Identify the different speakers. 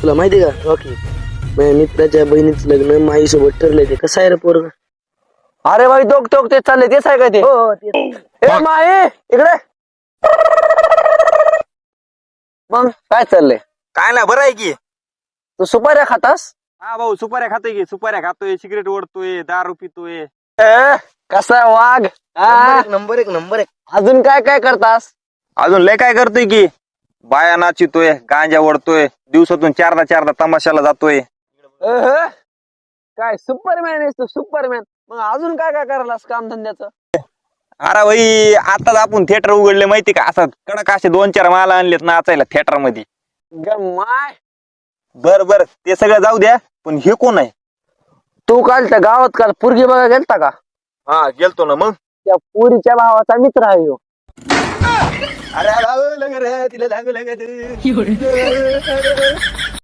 Speaker 1: तुला माहिती का रॉकी, माझ्या मित्राच्या बहिणीचं लग्न माईसोबत ठरलंय. ते कसं आहे रे पोरग?
Speaker 2: अरे भाई दोघ टोक ते चालले तेच आहे का ते?
Speaker 1: हो तेच.
Speaker 2: ए माई इकडे. मग काय चाललंय?
Speaker 3: काय ना बरं आहे की.
Speaker 2: तू सुपाऱ्या खातास?
Speaker 3: हा भाऊ सुपाऱ्या खातोय की, सुपाऱ्या खातोय, सिगरेट ओढतोय, दारू पितोय.
Speaker 2: कसा आहे वाघ? हा?
Speaker 1: नंबर एक नंबर एक.
Speaker 2: अजून काय काय करतास?
Speaker 3: अजून लय काय करतोय की, बाया नाचितोय, गांजा ओढतोय, दिवसातून चारदा तमाशाला जातोय.
Speaker 2: अह, काय सुपरमॅन आहेस तू, सुपरमॅन. मग अजून काय काय करायलास काम धंद्याचं?
Speaker 3: अरे भाई आताच आपण थिएटर उघडले माहिती का, असं कडक असे 2-4 माल आणलेत नाचायला थिएटर मध्ये.
Speaker 2: माय
Speaker 3: बर ते सगळं जाऊ द्या, पण हे कोण आहे?
Speaker 2: तू काल त्या गावात काल पुरगी बघा गेलता का?
Speaker 3: हा गेलतो ना. मग
Speaker 2: त्या पुरीच्या भावाचा मित्र आहे ह्यो.
Speaker 3: अरे तिला